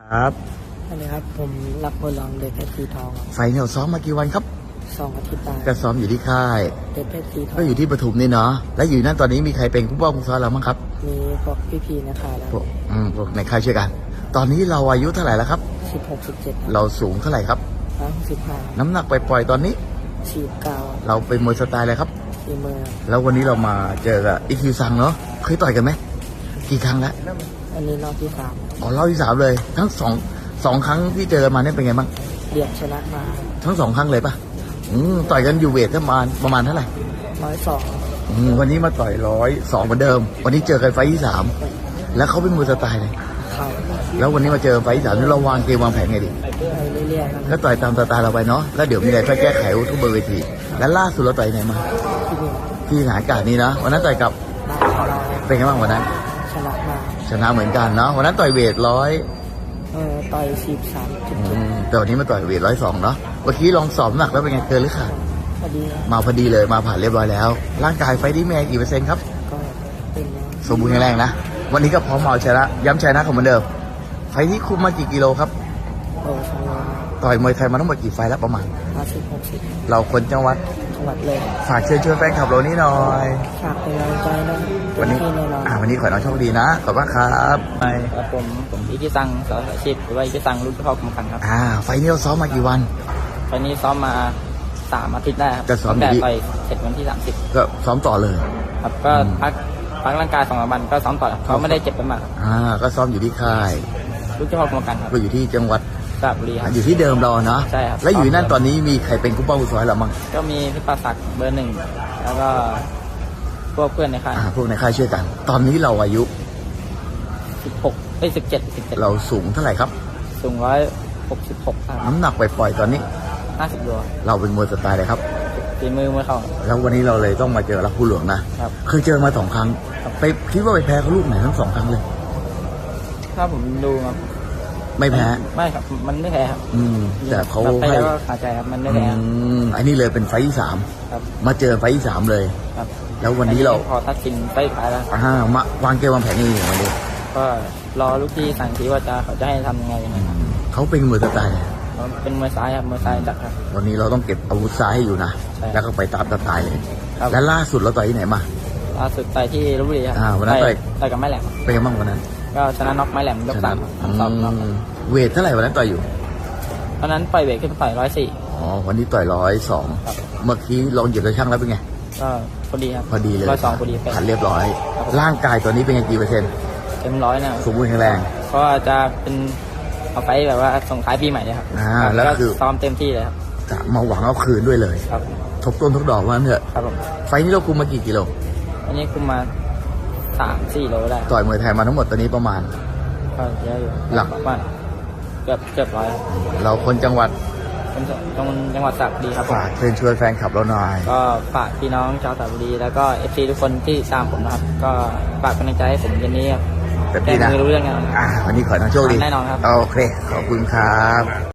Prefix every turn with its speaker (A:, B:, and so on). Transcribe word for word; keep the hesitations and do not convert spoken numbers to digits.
A: ครับ
B: สวัสดีครับผมรักบัวลองเด็กเพชรสีทอง
A: ไฟเนี่ยซ้อมมากี่วันครับ
B: สองอาทิตย์ได้
A: ก็ซ้อมอยู่ที่ค่าย
B: เด็กเพชรสีทอง
A: ก็อยู่ที่ปทุมนี่เนาะแล้วอยู่นั่นตอนนี้มีใครเป็นผู้ป้องผู้ซ้อมเราบ้างครับ
B: มีพวกพี่ๆนะคะแล้ว
A: พวกอืมพวกในค่ายช่วยกันตอนนี้เราอายุเท่าไหร่แล้วครับ
B: สิบหกสิบเจ็ด
A: เราสูงเท่าไหร่ครับ
B: ร้อยหกสิบห้า
A: น้ำหนักปล่อยๆตอนนี้
B: สี่เก้า
A: เราเป็นมวยสไตล์อะไรครับ
B: สี่มือ
A: แล้ววันนี้เรามาเจอกับอีคิวซังเนาะเคยต่อยกันไหมกี่ครั้งแล้ว
B: อันนี้รอบที่สาม
A: อ๋อรอบที่สามเลยทั้งสองสองครั้งที่เจอมาเนี่ยเป็นไงบ้าง
B: เรียกชนะมา
A: ทั้งสองครั้งเลยปะอืมต่อยกันอยู่เวทประมาณประมาณเท่าไหร่
B: ร้อยสอง
A: อืมวันนี้มาต่อยร้อยสองเหมือนเดิมวันนี้เจอกันไฟที่สามแล้วเขาเป็นมวยสไตล์เลย
B: เขา
A: แล้ววันนี้มาเจอไฟที่สามนี่เราวางเกมวางแผนไงดี
B: ไปเรื่อยๆ
A: แล้วต่อยตามสไตล์เราไปเนาะแล้วเดี๋ยวมีอะไรค่อยแก้ไขทุกเบอร์เวทีแล้วล่าสุดเราต่อยไหนมา
B: ที่นี่
A: ที่สถานการณ์นี้นะวันนั้นต่อยกับเป็นไงบ้างวันนั้น
B: ชนะมา
A: ชนะเหมือนกันเนาะวันนั้นต่อยเวทร้อย
B: เออต่อยสิบสามจุดเจ็ด
A: แต่วันนี้มาต่อยเวทร้อยสองเนาะเมื่อกี้ลองสอบหนักแล้วเป็นไงเกินหรือขาด
B: พอดี
A: มาพอดีเลยมาผ่านเรียบร้อยแล้วร่างกายไฟที่แม่กี่เปอร์เซ็นต์ครับ
B: ก็เป็น
A: สมบูรณ์แข็งแรงนะวันนี้ก็พร้อมเอาชนะย้ำชนะของเหมือนเดิมไฟที่คุมมากี่กิโลครับ
B: โอ้สองร้อย
A: ต่อยมวยไทยมาทั้งหมดกี่ไฟแล้วประมาณ
B: ห้าสิบหกสิบ
A: เราคนจังหวัด
B: จังหวัดเลย
A: ฝากเชิญชวนแฟนคลับเรานี้หน่อย
B: ฝากเป็นกำลังใจนะ
A: วันนี้อ่าวันนี้ขอให้น้องโชคดีนะขอบคุณครับ
C: ไปครับผมผมอิกิซังสาวอาชีพหรือว่าอิกิซังรุ่นพ่อกรรมการครับ
A: อ่าไฟนี้เราซ้อมมากี่วัน
C: ไฟนี้ซ้อมมาสามอาทิตย์ได้ครับ
A: ก็ซ้อม
C: แต่ไปเสร็จวันที่สามสิบ
A: ก็ซ้อมต่อเลย
C: ครับก็พักพักร่างกายสองวันก็ซ้อมต่อเขาไม่ได้เจ็บไปมาก
A: อ่าก็ซ้อมอยู่ที่ค่าย
C: รุ่นพ่อกรรมการครับ
A: ก็อยู่ที่จังหวัด
C: สระบุรีครับ
A: อยู่ที่เดิมเราเนาะ
C: ใช่ครับ
A: แล้วอยู่นั่นตอนนี้มีใครเป็นกู้ป้ากู้ซอยเราบ้าง
C: ก็มีพี่ประศักดิ์เบอร์หนึ่งแล้วก็พวกเพื่อนในค่าย
A: พวกในค่ายช่วยกันตอนนี้เราอายุ
C: สิบหกเอ้ยสิบเจ็ดสิบเจ็ด
A: เราสูงเท่าไหร่ครับ
C: สูงร้อยหกสิบหก
A: น้ำหนักปล่อยๆตอนนี้
C: ห้าสิบโล
A: เราเป็นมวยสไตล์เลยครับ
C: ฝีมือมวยเข่า
A: แล้ววันนี้เราเลยต้องมาเจอรักผู้หลวงนะครับเคยเจอมาสองครั้งไปคิดว่าไปแพ้เขาลูกไหนทั้งสองครั้งเลย
C: ถ้าผมดูครับ
A: ไม่แพ้
C: ไม่ครับมันไม่แพ้ครับ
A: อืมแต่เขา
C: ให้ก็ขาดใจครับมันไม่แพ้
A: อืมอันนี้เลยเป็นไฟที่สามมาเจอไฟที่สามเลย
C: ครับ
A: แล้ววันนี้เรา
C: พอตัดสินไปขายแล้ว
A: อ่ามาวางเกมวางแผนยังไงวันนี้
C: ก็รอลูกที่สั่งทีว่าจะเขาจะให้ทำยังไงนะครับ
A: เขาเป็นมวยสไตล์
C: เป็นมวยซ้ายครับมวยซ้ายจัดครับ
A: วันนี้เราต้องเก็บอาวุธซ้ายให้อยู่นะแล้วก็ไปตามสไตล์เลยและล่าสุดเราต่อยที่ไหนมา
C: ล่าสุดต่อยที่ลพบุรีครับ
A: วันนั้นต่อย
C: ต่อยกับไม้แหลม
A: เป็นยังไงบ้างวันนั้น
C: ก็ชนะน็อกไม้แหลมยกสามสองน็อก
A: เวทเท่าไหร่วันนั้นต่อยอยู่
C: วันนั้นปล่อยเวทขึ้นไปต่อยร้อยสี่
A: อ๋อวันนี้ต่อยร้อยสองเมื่อกี้ลองเหยียบกระช่างแล้วเป็นไง
C: ก็พอดีครับ
A: พอดีเลย
C: ร้อยสองพอดี
A: ผ่านเรียบร้อยร่างกายตัวนี้เป็นไงกี่เปอร์เซ็นต์
C: เต็มร้อยนะ
A: สมบูรณ์แข็งแรง
C: เพราะจะเป็นเอาไปแบบว่าส่งท้ายปีใหม่เลยครับ
A: อ่าแล้วคือ
C: ซ้อมเต็มที่เลยครับ
A: จะมาหวังเอาคืนด้วยเลย
C: ครับ
A: ทบต้นทบดอกว่าเถอะ
C: ครับผม
A: ไฟนี้เราคุมมากี่กิโล
C: อันนี้คุมมาสามสี่โลได้
A: ต่อยมวยไทยมาทั้งหมดตอนนี้ประมาณ
C: ก็เยอะอยู่
A: หลัก
C: ว่าเกือบเกือบร้อย
A: เราคนจังหวัด
C: คนจังจังหวัดสระบุรีครับ
A: ฝากเชิญชวนแฟนคลับเราหน่อย
C: ก็ฝากพี่น้องชาวสระบุรีแล้วก็เอฟซีทุกคนที่ตามผมนะครับก็ฝากกำลังใจให้ผมเย็นนี้ครับ
A: แบบนี้นะ
C: รู้เรื่องงาน
A: อ่าวันนี้ขอให้น้องโชคดี
C: แน่นอนครับ
A: โอเคขอบคุณครับ